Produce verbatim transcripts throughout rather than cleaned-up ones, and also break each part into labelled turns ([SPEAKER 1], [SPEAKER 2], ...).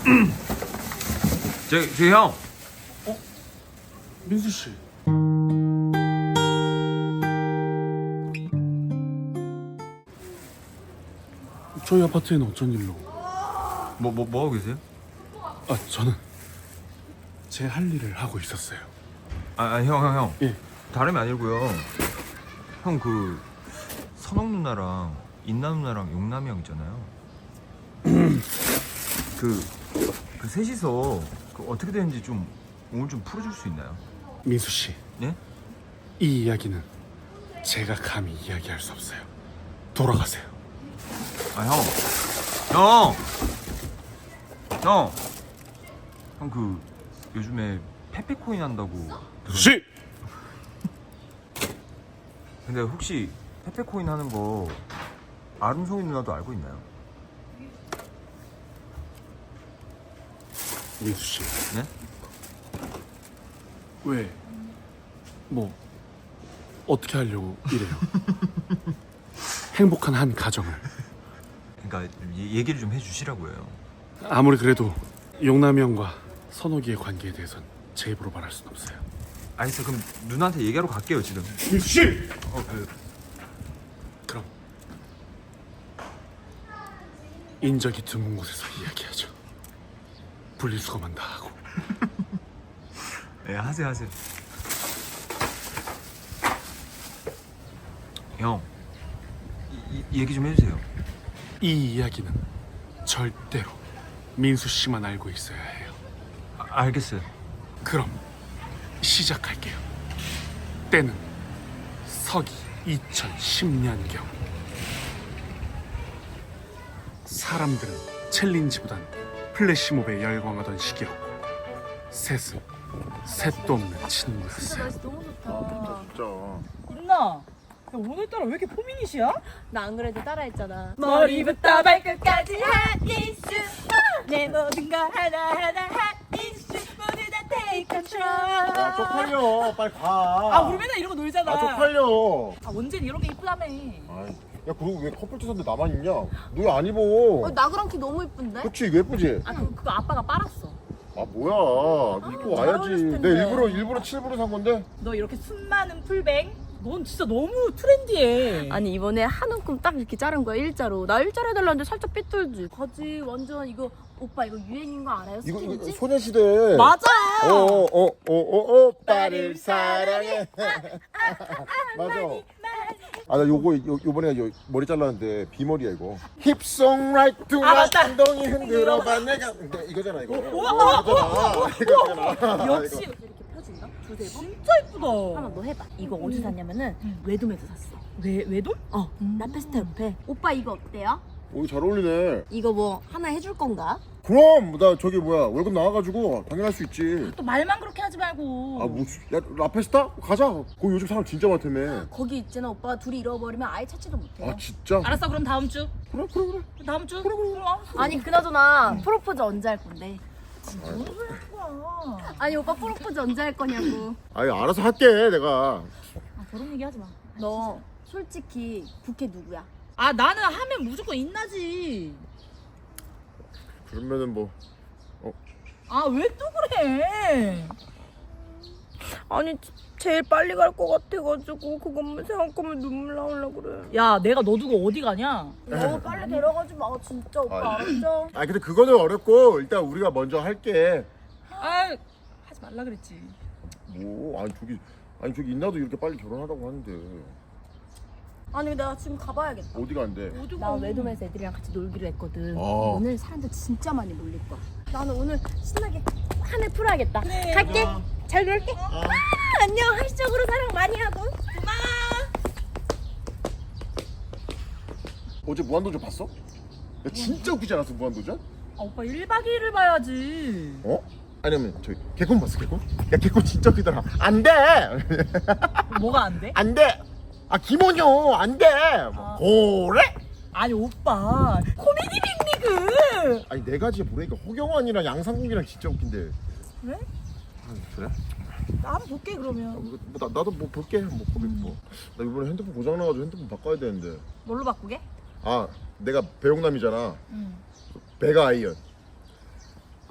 [SPEAKER 1] 저, 저 형.
[SPEAKER 2] 어? 민수 씨. 저희 아파트에는 어쩐 일로?
[SPEAKER 1] 뭐, 뭐, 뭐 하고 계세요?
[SPEAKER 2] 아, 저는 제 할 일을 하고 있었어요.
[SPEAKER 1] 아, 아 형, 형, 형.
[SPEAKER 2] 예.
[SPEAKER 1] 다름이 아니고요. 형, 그 선옥 누나랑 인나 누나랑 용남이 형 있잖아요. 그, 그 셋이서 그 어떻게 되는지 좀 오늘 좀 풀어줄 수 있나요?
[SPEAKER 2] 민수 씨,
[SPEAKER 1] 예?
[SPEAKER 2] 이 이야기는 제가 감히 이야기할 수 없어요. 돌아가세요.
[SPEAKER 1] 아, 형. 형! 형! 형, 그 요즘에 페페코인 한다고 들었...
[SPEAKER 2] 씨!
[SPEAKER 1] 근데 혹시 페페코인 하는 거 아름송이 누나도 알고 있나요?
[SPEAKER 2] 민수 씨,
[SPEAKER 1] 네?
[SPEAKER 2] 왜? 뭐 어떻게 하려고 이래요? 행복한 한 가정을.
[SPEAKER 1] 그러니까 얘- 얘기를 좀 해주시라고 해요.
[SPEAKER 2] 아무리 그래도 용남이 형과 선옥이의 관계에 대해선 제 입으로 말할 순 없어요.
[SPEAKER 1] 알겠어. 그럼 누나한테 얘기하러 갈게요 지금.
[SPEAKER 2] 민수 씨!
[SPEAKER 1] 어, 그,
[SPEAKER 2] 그럼 인적이 드문 곳에서 이야기하죠. 분리수거만 다 하고.
[SPEAKER 1] 네, 하세요 하세요. 형, 이, 이 얘기 좀 해주세요.
[SPEAKER 2] 이 이야기는 절대로 민수 씨만 알고 있어야 해요.
[SPEAKER 1] 아, 알겠어요.
[SPEAKER 2] 그럼 시작할게요. 때는 서기 이천십 년경. 사람들은 챌린지보단 플래시몹에 열광하던 시기였고 셋은 셋도 없는 친구였어요.
[SPEAKER 3] 날씨 너무 좋다.
[SPEAKER 4] 인나, 야, 오늘따라 왜 이렇게 포미닛이야?
[SPEAKER 3] 나 안 그래도 따라했잖아.
[SPEAKER 4] 머리부터
[SPEAKER 3] 발끝까지 핫 이슈. 내 모든 거 하나하나 핫 이슈. 모두 다 take control.
[SPEAKER 5] 야 쪽팔려 빨리 가.
[SPEAKER 4] 아, 우리 맨날 이러고 놀잖아.
[SPEAKER 5] 아 쪽팔려.
[SPEAKER 4] 아, 원진 이런 게 이쁘다며.
[SPEAKER 5] 아이, 야 그리고 왜 커플 티셔츠 나만 입냐? 너 왜 안 입어?
[SPEAKER 3] 어, 나그랑 키 너무 이쁜데?
[SPEAKER 5] 그치 이거 예쁘지?
[SPEAKER 4] 아, 그, 그거 아빠가 빨았어.
[SPEAKER 5] 아 뭐야 너 입고
[SPEAKER 3] 잘
[SPEAKER 5] 와야지.
[SPEAKER 3] 어울렸을 텐데.
[SPEAKER 5] 내가 일부러 일부러 칠부러 산 건데.
[SPEAKER 4] 너 이렇게 숨 많은 풀뱅? 넌 진짜 너무 트렌디해.
[SPEAKER 3] 아니 이번에 한 움큼 딱 이렇게 자른 거야 일자로. 나 일자로 해달라는데 살짝 삐뚤지. 바지 완전 이거 오빠 이거 유행인 거 알아요?
[SPEAKER 5] 이거 이거
[SPEAKER 3] 스킨지?
[SPEAKER 5] 소녀시대.
[SPEAKER 4] 맞아.
[SPEAKER 5] 어어어어 오빠를 사랑해. 맞아. 아 나 요거 요, 요번에 요 머리 잘랐는데 비머리야 이거. 힙송 라이트 두
[SPEAKER 4] 아, 맞다.
[SPEAKER 5] 엉덩이 흔들어봐 내가 이거- 이거잖아 이거.
[SPEAKER 4] 우와,
[SPEAKER 5] 이거잖아. 이거잖아.
[SPEAKER 4] 역시.
[SPEAKER 3] 이렇게 펴준다? 두세 번?
[SPEAKER 4] 진짜 이쁘다.
[SPEAKER 3] 한번 너 해봐. 이거 어디서 샀냐면은 외돔에서 샀어.
[SPEAKER 4] 외, 외돈?
[SPEAKER 3] 어, 라페스타 옆에. 오빠 이거 어때요?
[SPEAKER 5] 오 잘 어울리네.
[SPEAKER 3] 이거 뭐 하나 해줄 건가?
[SPEAKER 5] 그럼 나 저기 뭐야 월급 나와가지고 당연할 수 있지.
[SPEAKER 4] 또 말만 그렇게 하지 말고.
[SPEAKER 5] 아 뭐, 야 라페스타 가자. 거기 요즘 사람 진짜 많다며.
[SPEAKER 3] 거기 있잖아 오빠가 둘이 잃어버리면 아예 찾지도 못해요.
[SPEAKER 5] 아 진짜?
[SPEAKER 4] 알았어, 그럼 다음 주.
[SPEAKER 5] 그래 그래 그래.
[SPEAKER 4] 다음 주? 그래, 그래.
[SPEAKER 3] 아니 그나저나 프로포즈 언제 할 건데?
[SPEAKER 4] 뭔 소리 하는 거야.
[SPEAKER 3] 아니 오빠 프로포즈 언제 할 거냐고.
[SPEAKER 5] 아니 알아서 할게 내가.
[SPEAKER 4] 아, 저런 얘기 하지 마.
[SPEAKER 3] 너 솔직히 부캐 누구야?
[SPEAKER 4] 아, 나는 하면 무조건 인나지.
[SPEAKER 5] 그러면은 뭐
[SPEAKER 4] 아, 왜 또 그래?
[SPEAKER 3] 아니 제일 빨리 갈 것 같아가지고 그것만 생각하면 눈물 나올라 그래.
[SPEAKER 4] 야, 내가 너 두고 어디 가냐?
[SPEAKER 3] 너무 빨리 데려가지 마 진짜 오빠
[SPEAKER 5] 아,
[SPEAKER 3] 알았죠?
[SPEAKER 5] 아 근데 그거는 어렵고 일단 우리가 먼저 할게.
[SPEAKER 4] 아, 하지 말라 그랬지.
[SPEAKER 5] 뭐 아니 저기 아니 저기 인나도 이렇게 빨리 결혼하다고 하는데
[SPEAKER 3] 아니 내가 지금 가봐야겠다.
[SPEAKER 5] 어디가 안 돼?
[SPEAKER 4] 어디
[SPEAKER 3] 나
[SPEAKER 4] 가?
[SPEAKER 3] 외돔에서 애들이랑 같이 놀기로 했거든.
[SPEAKER 5] 어.
[SPEAKER 3] 오늘 사람들 진짜 많이 몰릴 거야. 나는 오늘 신나게 한 해 풀어야겠다.
[SPEAKER 4] 그래.
[SPEAKER 3] 갈게. 잘 놀게. 아, 안녕. 한시적으로 사랑 많이 하고.
[SPEAKER 5] 어제 무한도전 봤어? 야 진짜 웃기지 않았어 무한도전?
[SPEAKER 4] 아, 오빠 일박 이일을 봐야지.
[SPEAKER 5] 어? 아니면 저기 개콘 봤어 개콘? 야 개콘 진짜 웃기더라. 안 돼!
[SPEAKER 4] 뭐가 안 돼?
[SPEAKER 5] 안 돼! 아 김원효 안 돼! 뭐,
[SPEAKER 4] 아.
[SPEAKER 5] 고래?
[SPEAKER 4] 아니, 오빠. 코미디 빅리그.
[SPEAKER 5] 아니 네 가지에 모르니까 허경환이랑 양상국이랑 진짜 웃긴데.
[SPEAKER 4] 그래?
[SPEAKER 5] 아, 그래?
[SPEAKER 4] 나 한번 볼게,
[SPEAKER 5] 아,
[SPEAKER 4] 그러면.
[SPEAKER 5] 뭐, 나, 나도 뭐 볼게 뭐 보게 뭐. 나 이번에 핸드폰 고장 나가지고 핸드폰 바꿔야 되는데.
[SPEAKER 4] 뭘로 바꾸게?
[SPEAKER 5] 아 내가 배용남이잖아.
[SPEAKER 4] 응.
[SPEAKER 5] 배가 아이언.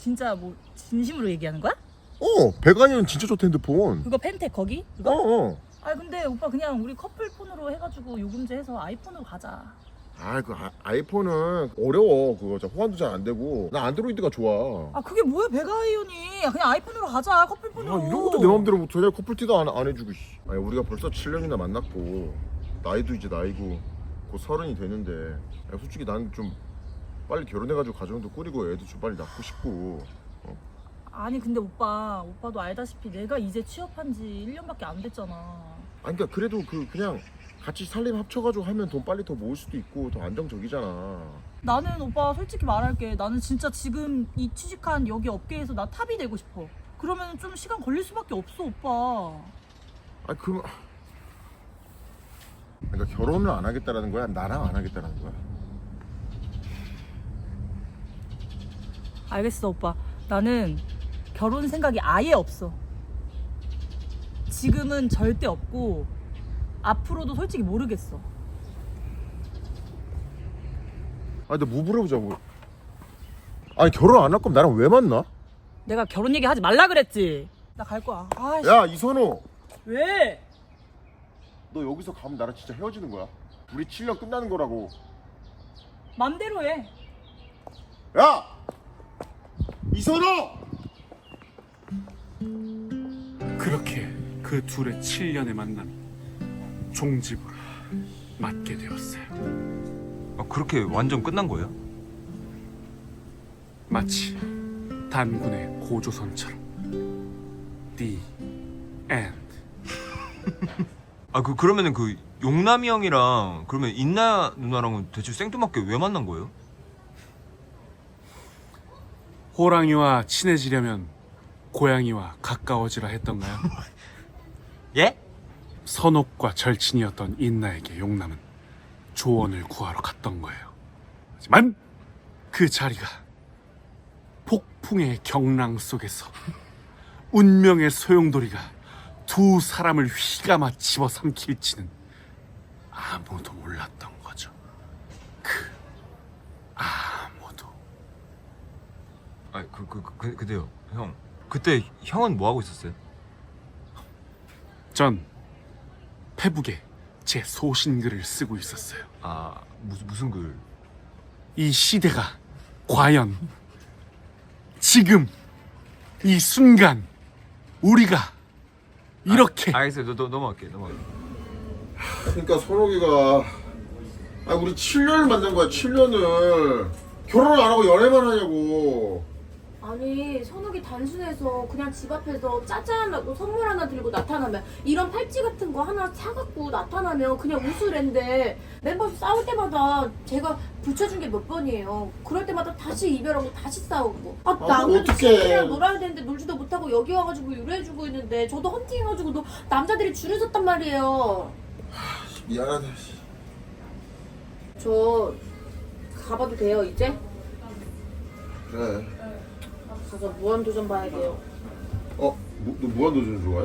[SPEAKER 4] 진짜 뭐 진심으로 얘기하는 거야?
[SPEAKER 5] 어 백아이는 진짜 좋다 핸드폰.
[SPEAKER 4] 그거 펜텍 거기? 그거?
[SPEAKER 5] 어어.
[SPEAKER 4] 아 근데 오빠 그냥 우리 커플 폰으로 해가지고 요금제 해서 아이폰으로 가자.
[SPEAKER 5] 아그 아이폰은 어려워. 그거 저 호환도 잘 안 되고. 나 안드로이드가 좋아.
[SPEAKER 4] 아 그게 뭐야 배가이온이. 그냥 아이폰으로 가자 커플 폰으로.
[SPEAKER 5] 아, 이런 것도 내 마음대로 못해. 커플티도 안, 안 해주고. 씨. 아니 우리가 벌써 칠 년이나 만났고 나이도 이제 나이고 곧 서른이 되는데 야, 솔직히 난 좀 빨리 결혼해가지고 가정도 꾸리고 애도 좀 빨리 낳고 싶고.
[SPEAKER 4] 아니 근데 오빠 오빠도 알다시피 내가 이제 취업한 지 일 년밖에 안 됐잖아.
[SPEAKER 5] 아니 그러니까 그래도 그 그냥 같이 살림 합쳐가지고 하면 돈 빨리 더 모을 수도 있고 더 안정적이잖아.
[SPEAKER 4] 나는 오빠 솔직히 말할게. 나는 진짜 지금 이 취직한 여기 업계에서 나 탑이 되고 싶어. 그러면 좀 시간 걸릴 수밖에 없어 오빠.
[SPEAKER 5] 아니 그러면 그러니까 결혼을 안 하겠다라는 거야? 나랑 안 하겠다라는 거야?
[SPEAKER 4] 알겠어 오빠. 나는 결혼 생각이 아예 없어. 지금은 절대 없고 앞으로도 솔직히 모르겠어.
[SPEAKER 5] 아니 근데 뭐 물어보자 뭐. 아니 결혼 안 할 거면 나랑 왜 만나?
[SPEAKER 4] 내가 결혼 얘기 하지 말라 그랬지. 나 갈 거야. 아이씨.
[SPEAKER 5] 야 이선호,
[SPEAKER 4] 왜?
[SPEAKER 5] 너 여기서 가면 나랑 진짜 헤어지는 거야? 우리 칠 년 끝나는 거라고.
[SPEAKER 4] 맘대로 해.
[SPEAKER 5] 야 이선호!
[SPEAKER 2] 그렇게 그 둘의 칠 년의 만남이 종집으로 맞게 되었어요.
[SPEAKER 1] 아, 그렇게 완전 끝난 거예요?
[SPEAKER 2] 마치 단군의 고조선처럼. The end.
[SPEAKER 1] 아 그 그러면은 그 용남이 형이랑 그러면 인나 누나랑은 대체 생뚱맞게 왜 만난 거예요?
[SPEAKER 2] 호랑이와 친해지려면 고양이와 가까워지라 했던가요?
[SPEAKER 1] 예?
[SPEAKER 2] 선옥과 절친이었던 인나에게 용남은 조언을 구하러 갔던 거예요. 하지만 그 자리가 폭풍의 경랑 속에서 운명의 소용돌이가 두 사람을 휘감아 집어삼킬지는 아무도 몰랐던 거죠. 그 아무도.
[SPEAKER 1] 아 그 그 그 근데요 형 그때 형은 뭐 하고 있었어요?
[SPEAKER 2] 전 페북에 제 소신글을 쓰고 있었어요.
[SPEAKER 1] 아 무슨 무슨 글?
[SPEAKER 2] 이 시대가 과연 지금 이 순간 우리가 이렇게
[SPEAKER 1] 아, 알겠어요. 너, 너 넘어갈게. 넘어갈게.
[SPEAKER 5] 그러니까 선옥이가 아 우리 칠 년을 만난 거야. 칠 년을 결혼을 안 하고 연애만 하냐고.
[SPEAKER 3] 아니 선욱이 단순해서 그냥 집 앞에서 짜잔하고 선물 하나 들고 나타나면 이런 팔찌 같은 거 하나 사갖고 나타나면 그냥 웃으랜데 멤버 싸울 때마다 제가 붙여준 게 몇 번이에요. 그럴 때마다 다시 이별하고 다시 싸우고 아
[SPEAKER 5] 아,
[SPEAKER 3] 나 그래도
[SPEAKER 5] 어떡해.
[SPEAKER 3] 친구들이랑 놀아야 되는데 놀지도 못하고 여기 와가지고 유래해주고 있는데 저도 헌팅해가지고 너 남자들이 줄을 섰단 말이에요.
[SPEAKER 5] 미안하다.
[SPEAKER 3] 저 가봐도 돼요 이제?
[SPEAKER 5] 그래.
[SPEAKER 3] 가서 무한도전 봐야 돼요.
[SPEAKER 5] 어? 무, 너 무한도전 좋아해?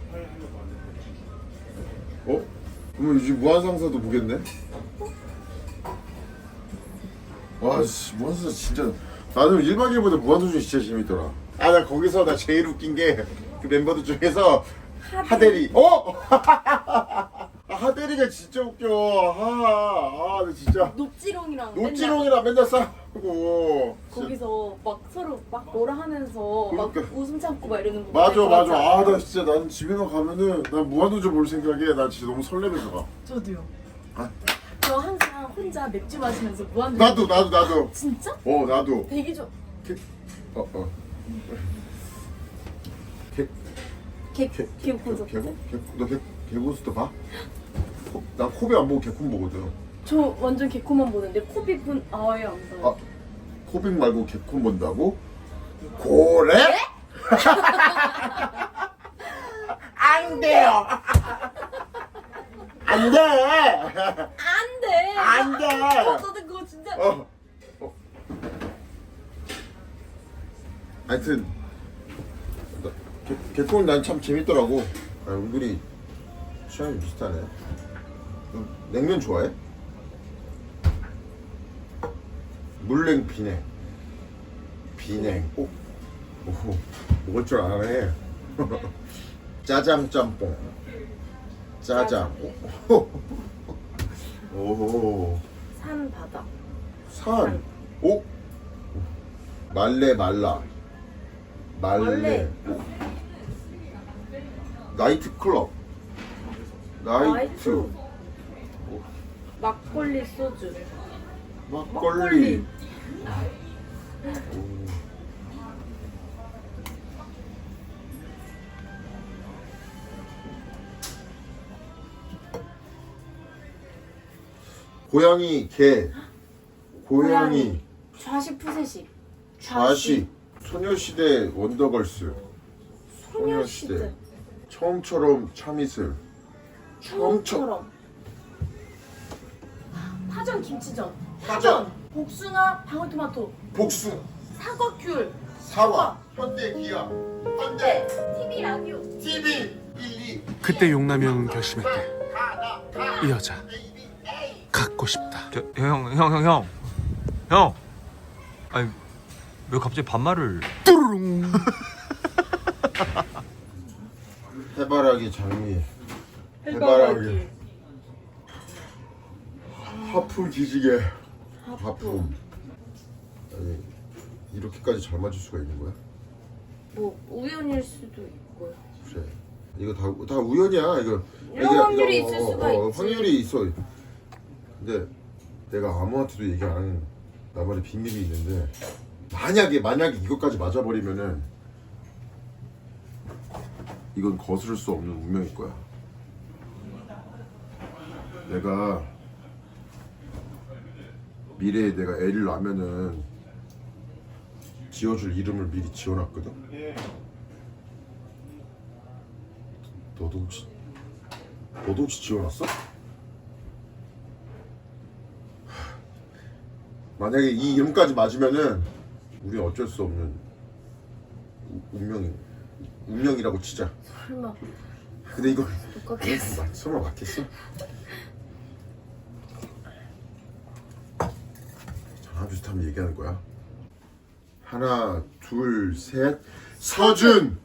[SPEAKER 5] 어? 그러면 요즘 무한상사도 보겠네? 와, 씨, 무한상사 진짜. 나는 일 박 이 일보다 무한도전이 진짜 재밌더라. 아, 나 거기서 나 제일 웃긴 게 그 멤버들 중에서 하대리. 어? 아, 하대리가 진짜 웃겨. 아, 아, 나 진짜.
[SPEAKER 3] 녹지롱이랑
[SPEAKER 5] 노찌롱이랑 맨날 싸우고.
[SPEAKER 3] 거기서 막 서로 막 뭐라 하면서 막
[SPEAKER 5] 그러니까.
[SPEAKER 3] 웃음 참고 막 이러는 거
[SPEAKER 5] 맞아
[SPEAKER 3] 보고
[SPEAKER 5] 맞아.
[SPEAKER 3] 맞아.
[SPEAKER 5] 아 나 진짜 난 집에만 가면은 난 무한도전 볼 생각에 난 진짜 너무 설레면서 가.
[SPEAKER 4] 저도요.
[SPEAKER 3] 저 항상 혼자 맥주 마시면서 무한도전.
[SPEAKER 5] 나도 나도 나도.
[SPEAKER 3] 진짜?
[SPEAKER 5] 어 나도.
[SPEAKER 3] 되게 좋아.
[SPEAKER 5] 어 어. 개
[SPEAKER 3] 개
[SPEAKER 5] 개-
[SPEAKER 3] 개콘서.
[SPEAKER 5] 개고? 너 개, 개고스도 봐? 코- 난 코비 안 보고 개콘 보거든.
[SPEAKER 3] 저 완전 개코만 보는데 코빅은 아예 안 봐요.
[SPEAKER 5] 아 코빅 말고 개콘 본다고? 고래? 안 돼요. 안 돼.
[SPEAKER 3] 안 돼.
[SPEAKER 5] 안 돼.
[SPEAKER 3] 어, 너도 그거 진짜.
[SPEAKER 5] 어. 어. 하여튼 나- 개, 개콘 난 참 재밌더라고. 아, 은근히 취향이 비슷하네. 너 냉면 좋아해? 물냉 비냉. 비냉. 오, 오, 먹을 줄 아네. 짜장 짬뽕. 짜장. 오. 오.
[SPEAKER 3] 산 바다.
[SPEAKER 5] 산. 오. 말레 말라. 말레.
[SPEAKER 3] 말레.
[SPEAKER 5] 나이트 클럽. 나이트.
[SPEAKER 3] 막걸리 소주.
[SPEAKER 5] 막걸리. 고양이 개. 고양이
[SPEAKER 3] 좌식 푸세식.
[SPEAKER 5] 좌식. 소녀시대 원더걸스. 소녀시대. 처음처럼 참이슬. 처음처럼.
[SPEAKER 3] 처음처럼. 파전 김치전.
[SPEAKER 5] 파전.
[SPEAKER 3] 복숭아 방울토마토.
[SPEAKER 5] 복숭.
[SPEAKER 3] 사과 귤.
[SPEAKER 5] 사과. 현대 기아. 현대.
[SPEAKER 3] 티비 라디오.
[SPEAKER 5] 티비. 일이.
[SPEAKER 2] 그때 용남형은 결심했대. 이 여자 갖고 싶다.
[SPEAKER 1] 형 형 형 형 형. 아니 왜 갑자기 반말을?
[SPEAKER 2] 뚜루룽.
[SPEAKER 5] 해바라기 장미. 해바라기. 하품 기지개. 하품. 아니 이렇게까지 잘 맞을 수가 있는 거야?
[SPEAKER 3] 뭐 우연일 수도 있고요.
[SPEAKER 5] 그래. 이거 다 다 우연이야. 이거
[SPEAKER 3] 이런
[SPEAKER 5] 이게-
[SPEAKER 3] 확률이
[SPEAKER 5] 이거,
[SPEAKER 3] 있을
[SPEAKER 5] 어,
[SPEAKER 3] 수가
[SPEAKER 5] 어,
[SPEAKER 3] 있지.
[SPEAKER 5] 확률이 있어. 근데 내가 아무한테도 얘기 안 하는 나만의 비밀이 있는데 만약에 만약에 이것까지 맞아버리면은 이건 거스를 수 없는 운명일 거야. 내가 미래에 내가 애를 낳으면은 지어줄 이름을 미리 지어놨거든. 너도 혹시 너도 혹시 지어놨어? 만약에 이 이름까지 맞으면은 우리 어쩔 수 없는 우- 운명이 운명이라고 치자.
[SPEAKER 3] 설마
[SPEAKER 5] 근데 이거
[SPEAKER 3] 똑같겠어.
[SPEAKER 5] 맞- 설마 맞겠어? 전화 비슷하면 얘기하는 거야. 하나, 둘, 셋. 서준.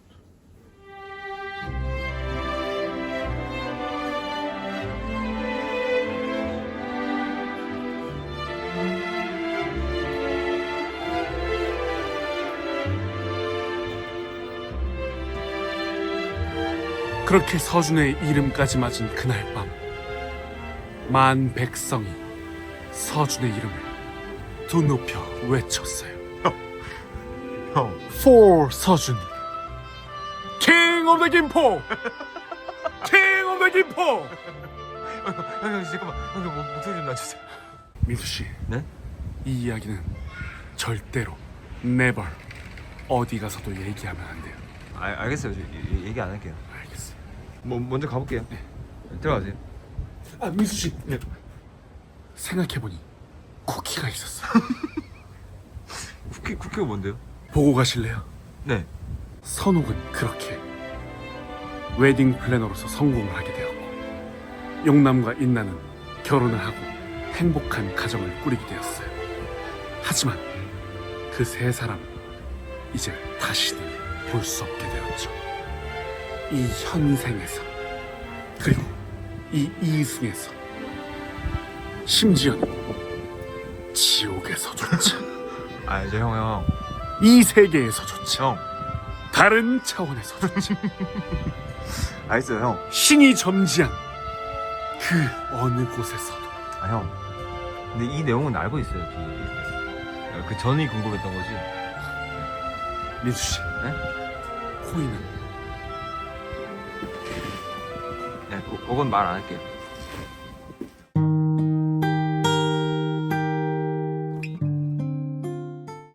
[SPEAKER 2] 그렇게 서준의 이름까지 맞은 그날 밤, 만 백성이 서준의 이름을 두 높여 외쳤어요.
[SPEAKER 1] 형
[SPEAKER 2] For 서준, King of the 김포, King of the 김포.
[SPEAKER 1] 형, 형 잠깐만 형 목- 목소리 좀 낮추세요.
[SPEAKER 2] 민수 씨,
[SPEAKER 1] 네?
[SPEAKER 2] 이 이야기는 절대로 never 어디 가서도 얘기하면 안 돼요.
[SPEAKER 1] 아 알겠어요. 저, 이- 얘기 안 할게요.
[SPEAKER 2] 알겠어요.
[SPEAKER 1] 뭐 먼저 가볼게요. 네. 들어가세요.
[SPEAKER 2] 아 민수 씨,
[SPEAKER 1] 네.
[SPEAKER 2] 생각해보니 쿠키가 있었어.
[SPEAKER 1] 쿠키 쿠키가 뭔데요?
[SPEAKER 2] 보고 가실래요?
[SPEAKER 1] 네.
[SPEAKER 2] 선옥은 그렇게 웨딩 플래너로서 성공을 하게 되었고 용남과 인나는 결혼을 하고 행복한 가정을 꾸리게 되었어요. 하지만 그 세 사람은 이제 다시는 볼 수 없게 되었죠. 이 현생에서 그리고 이 이승에서 심지어는 지옥에서조차
[SPEAKER 1] 아저 형 형.
[SPEAKER 2] 이 세계에서조차
[SPEAKER 1] 형.
[SPEAKER 2] 다른 차원에서조차
[SPEAKER 1] 알겠어요 형.
[SPEAKER 2] 신이 점지한 그 어느 곳에서도
[SPEAKER 1] 아 형. 근데 이 내용은 알고 있어요. 그, 그 전이 궁금했던 거지.
[SPEAKER 2] 민수 씨,
[SPEAKER 1] 네?
[SPEAKER 2] 코인은
[SPEAKER 1] 네, 그, 그건 말 안 할게요.